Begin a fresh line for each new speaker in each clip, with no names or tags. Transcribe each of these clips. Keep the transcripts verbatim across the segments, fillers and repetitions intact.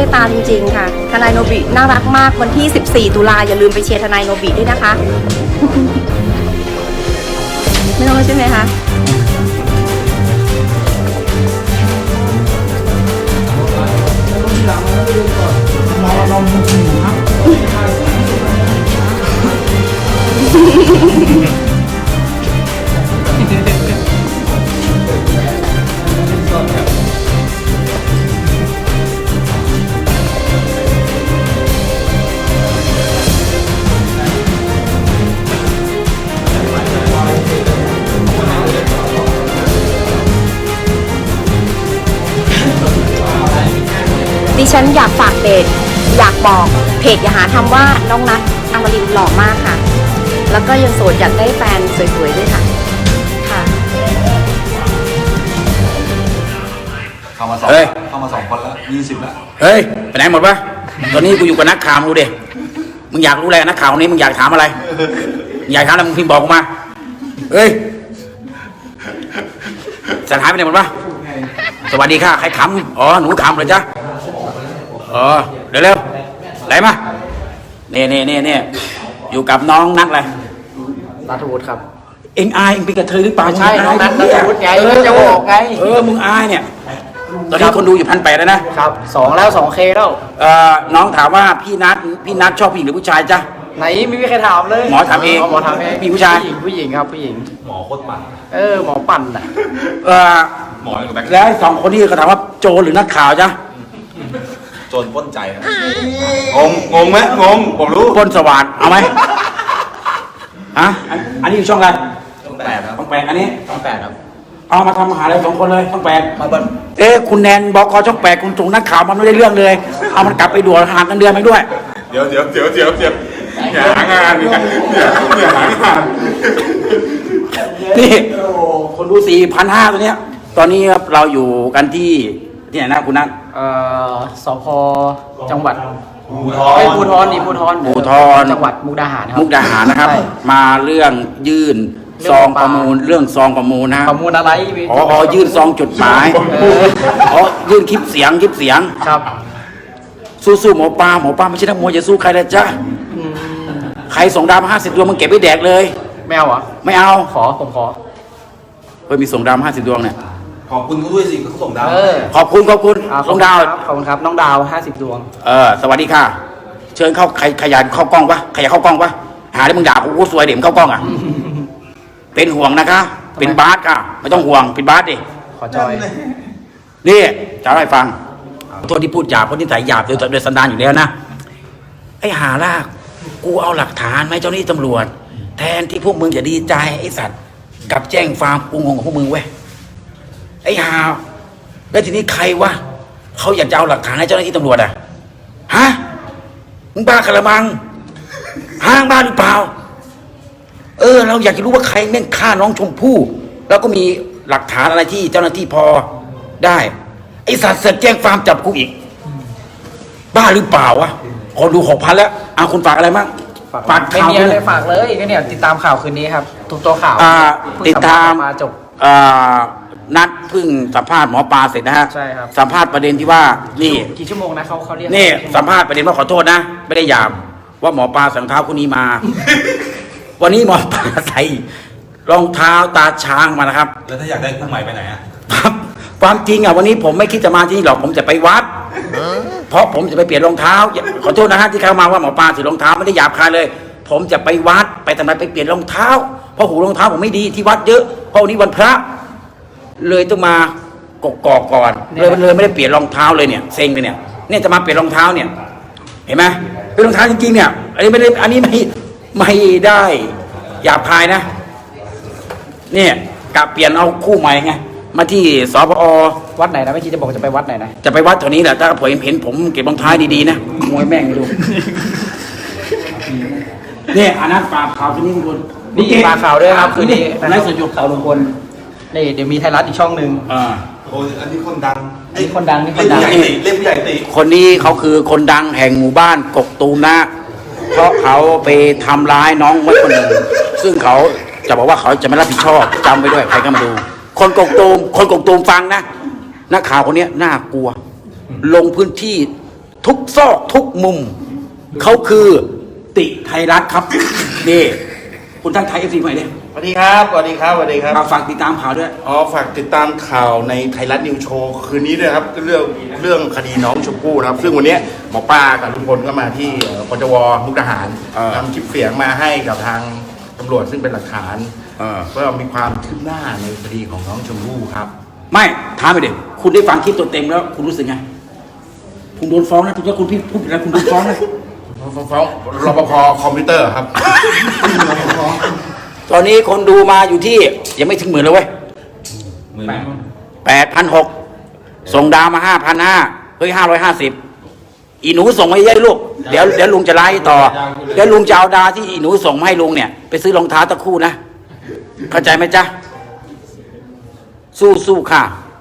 ตตาจริงๆค่ะทนายโนบิน่ารักมากวันที่สิบสี่ตุลาอย่าลืมไปเชียร์ทนายโนบิด้วยนะคะ ไม่ต้องใช่ไหมคะดิฉันอยากฝากเพจอยากบอกเพจอย่าหาทำว่าน้องนัทอมรินทร์หล่อมากค่ะแล้วก็ยังโสดอยากได้แฟนสวยๆด้วยค่ะค่ะ
เข้ามาสองเข้ามาสองคนแล้วยี่สิบแล้ว
เฮ้ยไปไหนหมดวะตอนนี้กูอยู่กับนักข่าวดูดิมึงอยากรู้อะไรนักข่าวนี้มึงอยากถามอะไรอยากถามอะไรมึงพิมพ์บอกกูมาเฮ้ยสันหายไปไหนหมดวะสวัสดีค่ะใครขำอ๋อหนูขำเหรอจ๊ะอ๋อเร็วเร็วไหนมาเน่เน่เน่เน่อยู่กับน้องนัทอะไร
นัทวุฒิครับ
เอ็งอายเอ็งเป็นกระเทยหรือเปล่า
ใช่น้องนัทนัทวุฒิไงจะบอกไง
เออมึงอายเนี่ยตอนนี้คนดูอยู่พันแปดแล้วนะครับ
สองแล้วสองเคแล้ว
เอ่อน้องถามว่าพี่นัทพี่นัทชอบผู้หญิงหรือผู้ชายจ๊ะ
ไหนไม่มีใครถามเลย
หมอถามเอง
หมอถามเอง
มีผู้ชาย
ผู้หญิงครับผู้หญิง
หมอโคตรปั่น
เออหมอปั่นอ่ะ
เออ
หมอกับแบ็ค
แล้วสองคนนี้เขาถามว่าโจรหรือนักข่าวจ๊ะ
โจรป้นใจงงงงไหมงงผมรู้
ป้นสว่านเอาไหมฮะอันนี้อยู่ช่องอะไร
ช่องแปดครับ
ช่องแปดอันนี้
ช่องแปดครับ
เอามาทำมหาอะไรสองคนเลยช่องแปดมาบนเอ๊ะคุณแนนบอกคอช่องแปดคุณส่งนักข่าวมันไม่ได้เรื่องเลยเอามันกลับไปด่วนห่างกันเดือนไปด้วย
เดี๋ยวเดี๋ยวเดี๋ยวเดี๋ยวเดี๋ยวอย่าหางานอย่าอย่าหางาน
นี่คนดูสี่พันห้าตัวเนี้ยตอนนี้ครับเราอยู่กันที่ที่ไหนนะคุณนัท
เอ่อสพจังหวัด
ภูธร
ภูธรนี่ภูธร
ภูธร
จังหวัดมุกดาหารครับ
มุกดาหารนะครับมาเรื่องยื่นซองประมูลเรื่องซองประมูลนะ
ประมูลอะไร
อ๋อยื่นซองจดหมายอ๋อยื่นคลิปเสียงคลิปเสียง
ครับ
สู้ๆหมอปลาหมอปลาไม่ใช่นักมวยจะสู้ใครนะจ๊ะใครส่งดาวมาห้าสิบดวงมึงเก็บไว้แดกเลย
ไม่เอาเหรอ
ไม่เอา
ขอผมขอ
เฮ้ยมีส่งดาวห้าสิบดวงเนี่ย
ขอบคุณเขาด้วยสิเขาส่งดาว
ขอบคุณขอบคุณน้องดาว
ขอบคุณครับน้องดาวห้าสิบดวง
เออสวัสดีค่ะเชิญเข้าใครขยันเข้ากล้องปะขยันเข้ากล้องปะหาได้มึงด่ากูสวยเดี๋ยวมึงเข้ากล้องอ่ะเป็นห่วงนะคะเป็นบาสค่ะไม่ต้องห่วงเป็นบาสดิ
ขอจอย
นี่จะให้ฟังตัวที่พูดหยาบคนที่ใส่หยาบโดยโดยสันดานอยู่แล้วนะไอ้หาลากกูเอาหลักฐานไหมเจ้าหน้าที่ตำรวจแทนที่พวกมึงจะดีใจไอ้สัตว์กับแจ้งฟาร์มกูงงของพวกมึงเว้ยไอ้หาแล้วทีนี้ใครวะเขาอยากจะเอาหลักฐานให้เจ้าหน้าที่ตำรวจอ่ะฮะมึงบ้ากระมังห้างบ้าหรือเปล่าเออเราอยากจะรู้ว่าใครแม่งฆ่าน้องชมพู่แล้วก็มีหลักฐานอะไรที่เจ้าหน้าที่พอได้ไอ้สัตว์เสร็จแจ้งฟาร์มจับกูอีกบ้าหรือเปล่าวะคนดูหกพันแล้วเอาคุณฝากอะไรบ้าง
ฝากไม่มีอะไรฝากเลยก็เนี่ยติดตามข่าวคืนนี้ครับทุกตัวข่าว
ติดตาม
มาจบ
นัดเพิ่งสัมภาษณ์หมอปลาเสร็จนะฮะ
ใช่ครับ
สัมภาษณ์ประเด็นที่ว่านี่
กี่ชั่วโมงนะเขาเขาเรียก
นี่สัมภาษณ์ประเด็นว่าขอโทษนะไม่ได้หยาบว่าหมอปลาใส่รองเท้าคู่นี้มา วันนี้หมอปลาใส่รองเท้าตาช้างมานะครับ
แล้วถ้าอยากได้คู่ใหม่ไปไหนอ่ะ
ครับความจริงอ่ะวันนี้ผมไม่คิดจะมาที่นี่หรอกผมจะไปวัดเพราะผมจะไปเปลี่ยนรองเท้าขอโทษนะฮะที่เข้ามาว่าหมอปลาถือรองเท้าไม่ได้หยาบคายเลยผมจะไปวัดไปทำไมไปเปลี่ยนรองเท้าเพราะหูรองเท้าผมไม่ดีที่วัดเยอะเพราะวันนี้วันพระเลยต้องมากกอกก่อนเลยเลยไม่ได้เปลี่ยนรองเท้าเลยเนี่ยเซ็งเลยเนี่ยเนี่ยจะมาเปลี่ยนรองเท้าเนี่ยเห็นไหมเป็นรองเท้าจริงๆเนี่ยอันนี้ไม่ได้อันนี้ไม่ไม่ได้หยาบคายนะเนี่ยกะเปลี่ยนเอาคู่ใหม่ไงมาที่สพอ
วัดไหนนะไม่คิดจะบอกจะไปวัดไหนนะ
จะไปวัดแถวนี้แหละถ้าผมเห็นผมเก็บรองเท้าดีๆนะมวยแม่งดูเนี่ยอันนั้นปลาขาวคืนนี้ลุงพล
นี่ปลาขาวด้วยครับคืนนี้
ไลฟ์สดอยู่เขาลุงพล
นี่เดี๋ยวมีไทยรัฐอีกช่องหนึ่ง
อ่า
โอ้อันนี้คนดัง
ไอ้คนดังนี่คนดัง
เล่นผู้ใหญ่ตี
คนนี้เขาคือคนดังแห่งหมู่บ้านกกตูมนะเพราะเขาไปทำร้ายน้องไว้คนหนึ่งซึ่งเขาจะบอกว่าเขาจะไม่รับผิดชอบจำไว้ด้วยใครก็มาดูคนกกตูมคนกกตูมฟังนะนักข่าวคนนี้น่ากลัวลงพื้นที่ทุกซอกทุกมุม เขาคือติไทยรัฐครับ นี่คุณทั้งไทยเอฟซีใหม่เนี่ย
สวัสดีครับสวัสดีครับสวัสดีครับ
เอาฝากติดตามข่าวด้วย
อ๋อฝากติดตามข่าวในไทยรัฐนิวโชว์คืนนี้ด้วยครับเรื่องเรื่องคดีน้องชมพู่นะครับ ซึ่งวันนี้หมอปลากับลุงพลก็มาที่เอ่อปจวมุกดาหาร
เออ
นำคลิปเสียงมาให้กับทางตำรวจซึ่งเป็นหลักฐาน
เออ
เพื่อมีความคืบหน้าในคดีของน้องชมพู่ครับ
ไม่ถามไปเด็กคุณได้ฟังคลิปตัวเต็มแล้ว คุณรู้สึกไงคุณโดนฟ้องนะทุกท่านคุณพี่พูดผิดแล้วคุณโดนฟ้องนะ
ฟ้องฟ้องรปภคอมพิวเตอร์ครับ
ตอนนี้คนดูมาอยู่ที่ยังไม่ถึงหมื่นเลยเว้ย
หมื่น
แปดพันหกส่งดาวมาห้าพันห้าเฮ้ยห้าร้อยห้าสิบอีหนูส่งมาเยอะๆลูกเดี๋ยวเดี๋ยวลุงจะไล่ต่อเดี๋ยวลุงจะเอาดาวที่อีหนูส่งมาให้ลุงเนี่ยไปซื้อรองเท้าตะคู่นะเข้าใจไหมจ๊ะสู้สู้ค่ะ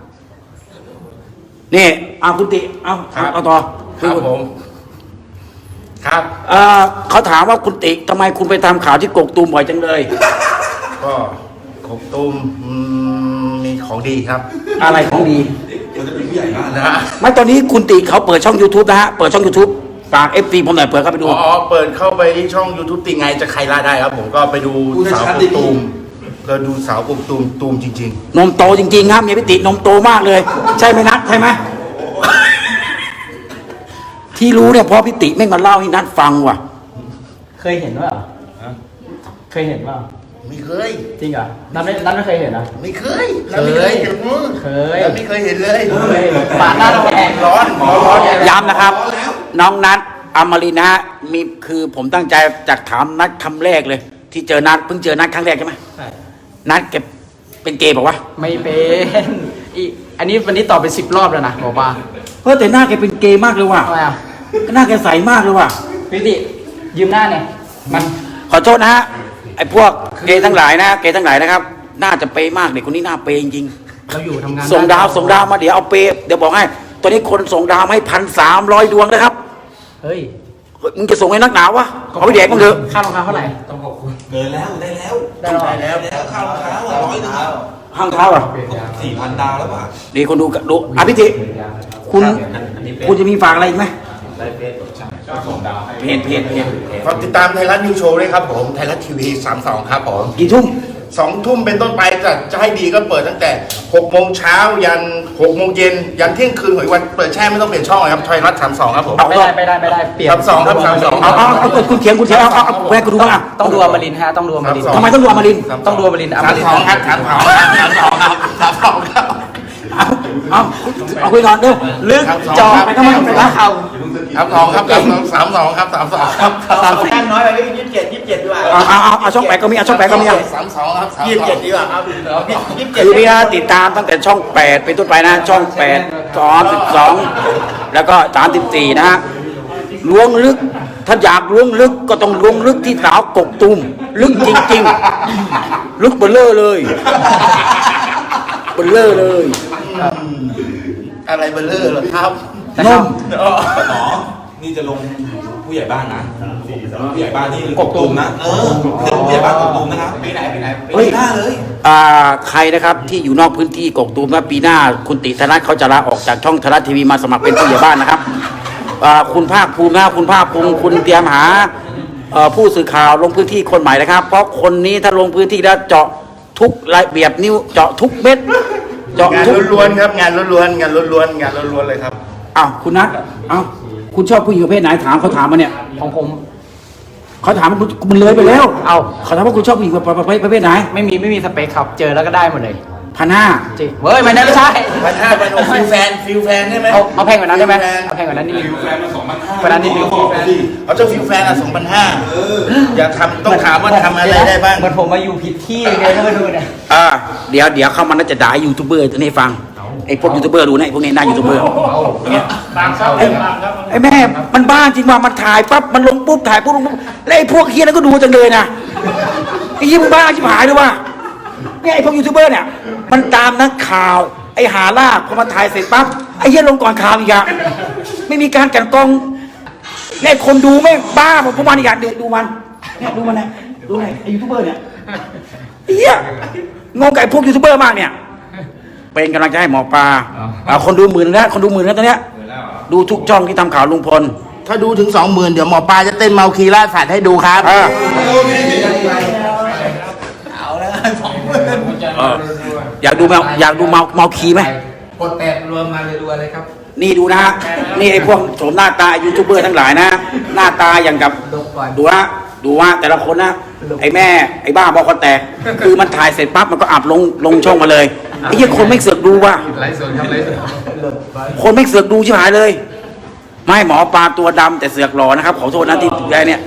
นี่เอาคุณติเอา
ครับ
เอาต่อ
ครับผมครับ
เอ่อเขาถามว่าคุณติทำไมคุณไปทำข่าวที่กกตูมบ่อยจังเลย
ก็ขบตูมอืมมีของดีครับ
อะไรของดี
นะฮะ
ไม่ตอนนี้คุณติเขาเปิดช่อง YouTube นะฮะเปิดช่อง YouTube ฝาก เอฟ ซี ผมหน่อยเปิดเข้าไปดู
อ๋อ เปิดเข้าไปที่ช่อง YouTube ติงไงจะใครล่าได้ครับ ผมก็ไปดูสาวกบตูมก็ดูสาวกบตูมตูมจริง
นมโตจริงๆครับเมียพิตินมโตมากเลย ใช่ไหมนัทใช่ไหม ที่รู้เนี่ยเพราะพิติแม่งมาเล่าให้นัทฟังว่ะ
เคยเห็นว่าเคยเห็นว่า
ๆ ไม่เคย
จริงเหรอนัทไม่นัทไม่เคยเห็นนะ
ไม่เคย
เคย
ไม่เคยเห็นมือ
เคย
แล้วไม่เคยเห็นเลย
เคยปาดหน้าเราแดง
ร้อนร้อน
ย้ำนะครับ น้องนัทอมรินทร์นะฮะมีคือผมตั้งใจจากถามนัทคำแรกเลย ที่เจอนัทเพิ่งเจอนัทครั้งแรกใช่ไหม
ใช่
นัทเก็บเป็นเกย์บอกว่า
ไม่เป็นอีอันนี้วันนี้ตอบไปสิบรอบแล้วนะบอกว่า
เฮ้ยแต่หน้าแกเป็นเกย์มากเลยว่ะ
ทำไมอ่ะ
หน้าแกใสมากเลยว่ะ
พี่ติยืมหน้าเนี่ยมัน
ขอโทษนะฮะไอ้พวกเกย์ทั้งหลายนะเกย์ทั้งหลายนะครับ น่าจะเปย์มากเด็กคนนี้น่าเปย์จริง
เราอยู่ทำงาน
ๆส่งดาวส่งดาวมาเดี๋ยวเอาเปย์เดี๋ยวบอกให้ตอนนี้คนส่งดาวมาให้พันสามร้อยดวงนะครับ
เฮ้ย
เฮ้ยมึงจะส่งให้นักหนาวะเอาไปแดกมึงเถอะ
ค่ารองเท้าเท่าไหร่
เกินแล้วได้แล้ว
ได้แล้ว
แล้ว
แล้วข้าวรองเท้าอ่ะร้อยหนึง
ห้างเท้าอ่ะ
สี่พันดาวแล้วป่ะ
ดีคนดูดูอภิธิคุณคุณจะมีฝากอะไรอีกไหมเพจเพจเพจ
ฝากติดตามไทยรัฐนิวโชว์ด้วยครับผม ไทยรัฐทีวีสามสองครับผม
กี่ทุ่ม
สองทุ่มเป็นต้นไปจะจะให้ดีก็เปิดตั้งแต่หกโมงเช้ายันหกโมงเย็นยันเที่ยงคืนหวยวันเปิดแช่ไม่ต้องเปลี่ยนช่องเลยครับไทยรัฐสามสองครับผม
ไม่ได้ไม่ได้ไม่ได้เปลี่ยน
สามสองครับสามสอง
เอาเอาเอาเอาคุณเขียนคุณเขียนเอาเอาเอาแหวกกูดูบ้างอ่ะ
ต้องดูอมรินทร์ฮะต้องดูอมรินทร์
ทำไมต้องดูอมรินทร์
ต้องดูอมรินทร์อม
สาม
ริน
สอง
ทร์
ครับสามสองครับสามสองครับสามสองครับ
เอาเอาเอาคุยก่อนเร็ว
ลึกจอ
ไปทำไมไปละเขา
สามสองครับสามสองสามสองครับสามสองครับ
สามสิบ
น้อยไปยี่สิบเจ็ดยี่สิบเจ็ดดีกว่า
เอาเอาเอาเอาช่องแปดก็มีเอาช่องแปดก็มีเอา
สามสองครับ
ยี่สิบเจ็ดดีกว่าครับยี่สิบเจ็ด
คือพี่นะติดตามตั้งแต่ช่องแปดเป็นต้นไปนะ ช่องแปดสองสิบสองแล้วก็สามสิบสี่นะฮะล้วงลึก ถ้าอยากล้วงลึกก็ต้องล้วงลึกที่สาวกกตุมลึกจริงๆ ลึกเบลเลอร์เลยเบลเลอร์เลย
อะไรเบลเลอร์เหรอครับ
นม
อ๋อนี่จะลงผู้ใหญ่บ้านนะผู้ใหญ่บ้านที่กกตูมนะเออคือผู้ใหญ่บ้านกกตูมนะครับปีไหนปีไหน
เฮ้ย
ปีหน้าเลย
อ่าใครนะครับที่อยู่นอกพื้นที่กกตูมว่าปีหน้าคุณติธนัทเขาจะลาออกจากช่องไทยรัฐทีวีมาสมัครเป็นผู้ใหญ่บ้านนะครับอ่าคุณภาคภูมินะคุณภาคภูมิคุณเตรียมหาเอ่อผู้สื่อข่าวลงพื้นที่คนใหม่นะครับ เพราะคนนี้ถ้าลงพื้นที่แล้วเจาะทุกระเบียบนิ้วเจาะทุกเม็ดเจาะ
งาน
ทุก
ล้วนๆครับงานล้วนๆงานล้วนๆงานล้วนๆเลยครับ
อ้าวคุณนัทอ้าวคุณชอบผู้หญิงประเภทไหนถามเขาถามมาเนี่ย
ของผม
เขาถามมันมันเลยไปแล้ว
เอา
เขาถามว่าคุณชอบผู้หญิงประเภทประเภทไหน
ไม่มีไม่มีสเปคครับ เจอแล้วก็ได้หมดเลย
พันห้า
จริงเฮ้ยไม่ได้ไม่ใช่
พันห้าพันหกฟิลแฟนฟิลแฟนได้ไหม
เอาเอาแพงกว่านั้นได้ไหม
ฟิลแฟน
เอาแพงกว่านั้นนิดนึง
แฟนมาสองพันห้าก
ว่านั้นนิดนึง
เอาเจ้าฟิลแฟนอ่ะสองพันห้าอย่าทำต้องถามว่าทำอะไรได้บ้าง
เหมือนผมมาอยู่ผิดที่ไงท่านผู้ชมเนี่ย
อ่าเดี๋ยวเดี๋ยวเข้ามาน่าจะด่ายูทูบเบอร์ตัวนี้ให้ฟังไอ้พวกยูทูบเบอร์ดูนะไอ้พวกนี้หน้ายูทูบเบอร์อย่างเงี้ยไอ้ไอ้แม่มันบ้าจริงว่ามันถ่ายปั๊บมันลงปุ๊บถ่ายปุ๊บลงปุ๊บแล้วไอ้พวกเฮียนั้นก็ดูจังเลยนะไอ้ยี่มึงบ้าชิบหายด้วยว่าเนี่ยไอ้พวกยูทูบเบอร์เนี่ยมันตามนักข่าวไอ้หาลากพอมันถ่ายเสร็จปั๊บไอ้เฮียลงก่อนข่าวอีกอะไม่มีการกลั่นกรองเนี่ยคนดูไม่บ้าผมพวกมันอีกอย่างเดี๋ยวดูมันเนี่ยดูมันนะดูไหนไอ้ยูทูบเบอร์เนี่ยไอ้เฮียงงกับไอ้พวกยูทูบเบอร์มากเนี่ยเป็นกำลังใจให้หมอปลาอ่าคนดูหมื่นแล้วคนดูหมื่นแล้วตอนเนี้ยดูทุกช่องที่ทำข่าวลุงพล
ถ้าดูถึงสองหมื่นเดี๋ยวหมอปลาจะเต้นเมาคีล่าสัตว์ให้ดูครับ
เออเอออยากดูเมาอยากดูเมาเมาคีไหม
กดแปดรวมมาเลยรัวเลยครับ
นี่ดูนะฮะนี่ไอ้พวกโฉมหน้าตายูทูบเบอร์ทั้งหลายนะ หน้าตาอย่างกับดูฮะดูว่าแต่ละคนนะไอ้แม่ไอ้บ้าบอคอแตก คือมันถ่ายเสร็จปั๊บมันก็อัพลงลงช่องมาเลยไอ้เหี้ยคนไม่เสือกดูว่ะ
ไลฟ์สดครับไลฟ์สด
คนไม่เสือกดูชิบหายเลย ไม่หมอปลาตัวดำแต่เสือกหล่อนะครับขอโทษนะที่แกเนี่ย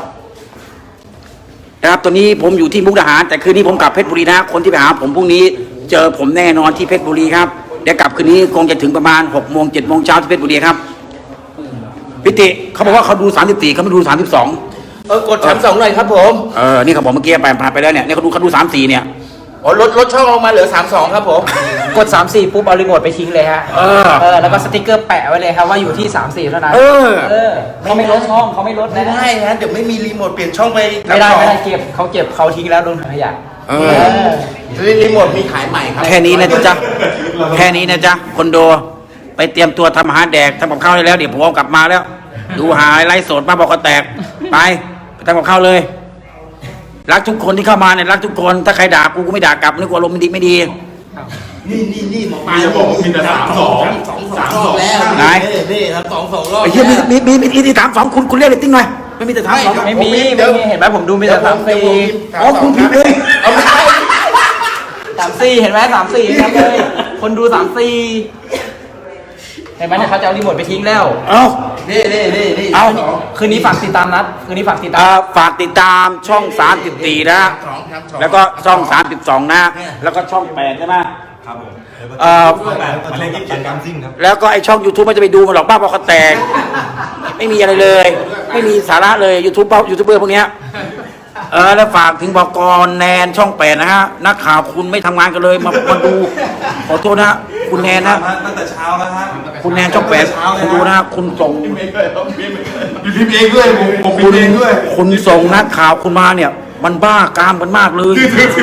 นะครับตอนนี้ผมอยู่ที่มุกดาหารแต่คืนนี้ผมกลับเพชรบุรีนะคนที่ไปหาผมพรุ่งนี้เจอผมแน่นอนที่เพชรบุรีครับเดี๋ยวกลับคืนนี้คงจะถึงประมาณหกโมงเจ็ดโมงเช้าที่เพชรบุรีครับพิติเขาบอกว่าเขาดูสามสิบสี่เขาไม่ดูสามสิบสอง
เออกดสามสองหน่อยครับผม
เออนี่เขาบอกเมื่อกี้ไปผ่านไปแล้วเนี่ยเนี่ยเขาดูเขาดูสามสี่เนี่ย
อ๋อลดลดช่องลงมาเหลือสามสองครับผม
กดสามสี่ปุ๊บเอารีโมทไปทิ้งเลยฮะ
เออ
เออแล้วก็สติ๊กเกอร์แปะไว้เลยครับว่าอยู่ที่สามสี่เท่านั้น
เออ
เออเขาไม่ลดช่องเขาไม่ลด
ไม่
นะ
ได้นะเดี๋ยวไม่มีรีโมทเปลี่ยนช่องไป
ไม่ได้ไม่ได้เก็บเขาเก็บเขาทิ้งแล้วโดนถังขยะ
เอ
เอ
อ
อ
รีโมทมีขายใหม่ครับ
แค่นี้นะจ๊ะแค่นี้นะจ๊ะคนโดไปเตรียมตัวทำอาหารแดกทำกับข้าวได้แล้วเดี๋ยวผมเอากลับมาแล้ว ดูหายไล่สดมาบอกก็แตกไปไปทำกับข้าวเลย รักทุกคนที่เข้ามาเนี่ยรักทุกคนถ้าใครด่ากูกูไม่ด่ากลับนึกว่าอารมณ์มันดีไม่ดี
นี่นี่นี่หมอปลา
จะบอกว่ามีแต่สามสองสามสอง
แล้ว
ไหน
นี่ครับสองสองรอบ
ไอ้เหี้ยมีมีมีมีมีมีถามสองคุณคุณเรียกเรตติ้งหน่อยไม่มีแต่ถามสอง
ไม่มีไม่มีเห็นไหมผมดูมีแต่สามสี่
อ๋อคุณผิดเอง
เอาไม่ใช่
สามสี่เห็นไหมสามสี่ครับเลยคนดูสามสี่เห็นไหมเนี่ยเขาจะเอารีโมทไปทิ้งแล้ว
เอ้า
นี่นี่นี่นี่
เอา
คืนนี้ฝากติดตามนัดคืนนี้ฝากติดตาม
อ่าฝากติดตามช่องสามสิบสี่นะ
สองครับสอง
แล้วก็ช่องสามสิบสองนะ แล้วก็ช่องแปดใช่ไหม
ครับผม
เอ่อ
มาเล่นยี่สิบเจ็ดกรัมซิ่งครับ
แล้วก็ไอช่อง YouTube มันจะไปดูมันหรอกบ้าบอคอแตก ไม่มีอะไรเลย ไม่มีสาระเลย YouTube เป้ายูทูบเบอร์พวกเนี้ยเออแล้วฝากถึงบอกรแนนช่องแปดนะฮะ นักข่าวคุณไม่ทำงานกันเลยมามาดู ขอโทษนะ คุณแนนนะ
ตั้งแต่เช้าแล้วฮะ
คุณแนนช่องแปดคุณดูนะ คุณส่ง
มีพิมพ์เองด้วยผมผมพิม
คุณ
พ์เองด้วย
คุณส่งนักข่าวคุณมาเนี่ย มันบ้ากามกันมากเลย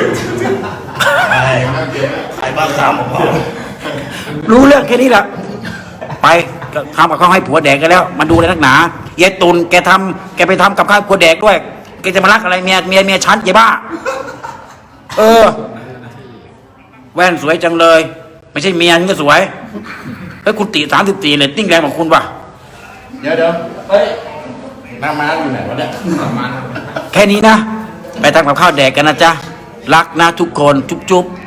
ไอ้บ้าสามของพ่อ
รู้เรื่องแค่นี้แหละ ไปทำกับข้าวให้ผัวแดกกันแล้ว มันดูอะไรนักหนาเยตุนแกทำแกไปทำกับข้าวให้ผัวแดกด้วย แกจะมารักอะไรเมียเมียเมียฉันเจ๊บ้า เออ แว่นสวยจังเลย ไม่ใช่เมียนี่ก็สวยเฮ้ยคุณตีสามสิบสี่เลยติ้งแรงของคุณป่ะ
เดี๋ยวเดี๋ยวเฮ้ยหน้าม้าอยู่ไหนวะเนี่ย
แค่นี้นะ ไปทำกับข้าวแดกกันนะจ๊ะ รักนะทุกคน จุ๊บจุ๊บ